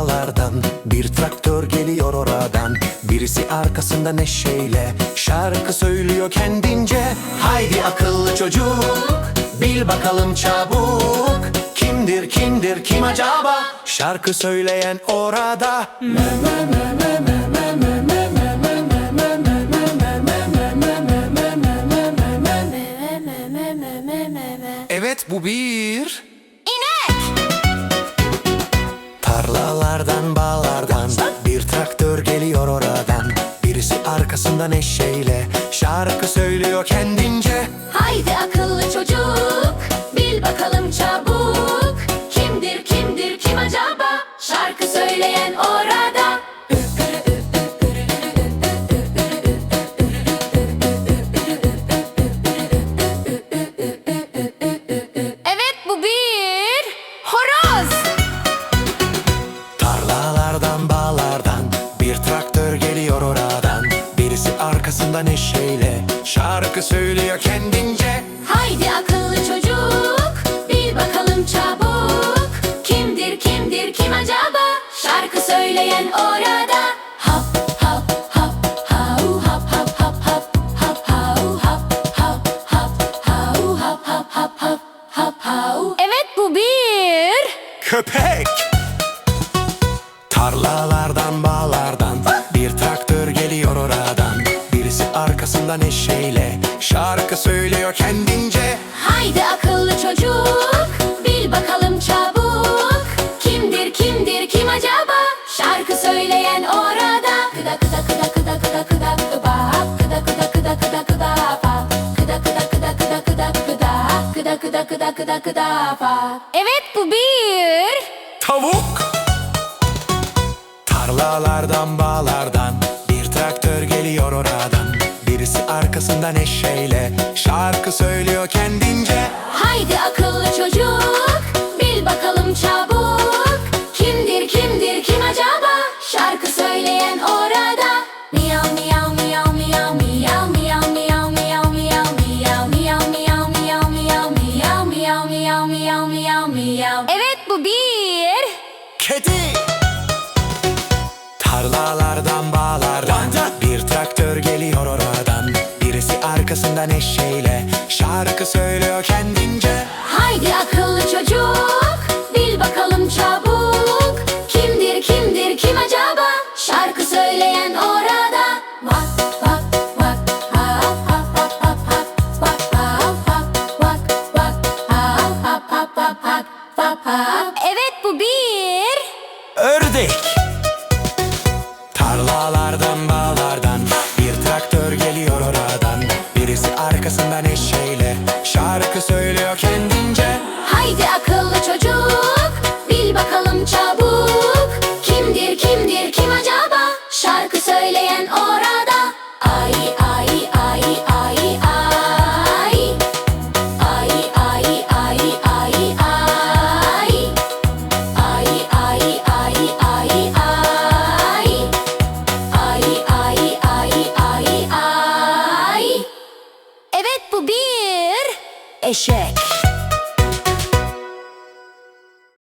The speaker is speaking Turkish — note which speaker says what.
Speaker 1: bağlardan bir traktör geliyor oradan. Birisi arkasında neşeyle şarkı söylüyor kendince. Haydi akıllı çocuk, bil bakalım çabuk, kimdir kimdir kim acaba? Şarkı söyleyen orada. Evet, bu bir
Speaker 2: İnek.
Speaker 1: Tarlalardan bağlardan bir traktör geliyor oradan. Birisi arkasında neşeyle şarkı söylüyor kendince.
Speaker 2: Haydi akıllı çocuk, bil bakalım çabuk, kimdir kimdir kim acaba? Şarkı söyleyen orada. Evet, bu bir horoz.
Speaker 1: Tarlalardan bağlardan bir traktör geliyor oradan. Birisi arkasında neşeyle şarkı söylüyor kendince.
Speaker 2: Haydi akıllı çocuk, bil bakalım çabuk, kimdir kimdir kim acaba? Şarkı söyleyen orada. Hop hop hop hau hop hop hop hop hop hau hop hop hop hau hop hop hop hop hop hau. Evet, bu bir
Speaker 1: Köpek. Tarlalardan bağlardan bir traktör geliyor oradan. Birisi arkasında neşeyle şarkı söylüyor kendince.
Speaker 2: Haydi akıllı çocuk, bil bakalım çabuk, kimdir kimdir kim acaba? Şarkı söyleyen orada. Kıda kıda kıda kıda kıda kıda kıba, kıda kıda kıda kıda kıda fa, kıda kıda kıda kıda kıda kıda, kıda kıda kıda kıda kıda fa. Evet, bu bir
Speaker 1: Tavuk. Tarlalardan bağlardan bir traktör geliyor oradan. Birisi arkasında neşeyle şarkı söylüyor kendince.
Speaker 2: Haydi akıllı çocuk, bil bakalım çabuk, kimdir kimdir kim acaba? Şarkı söyleyen orada. Miyav miyav miyav miyav miyav miyav miyav miyav miyav miyav miyav miyav miyav miyav miyav miyav miyav miyav miyav miyav. Evet, bu bir
Speaker 1: Kedi. Tarlalardan bağlardan bir traktör geliyor oradan. Birisi arkasında neşeyle şarkı söylüyor kendince.
Speaker 2: Haydi akıllı çocuk, bil bakalım çabuk, kimdir kimdir kim acaba? Şarkı söyleyen orada. Vak vak vak hap hap hap hap hap vak hap hap vak vak hap hap hap hap hap hap hap. Evet, bu bir
Speaker 1: Ördek. Tarlalardan bağlardan bir traktör geliyor oradan. Birisi arkasında neşeyle şarkı söylüyor kendi.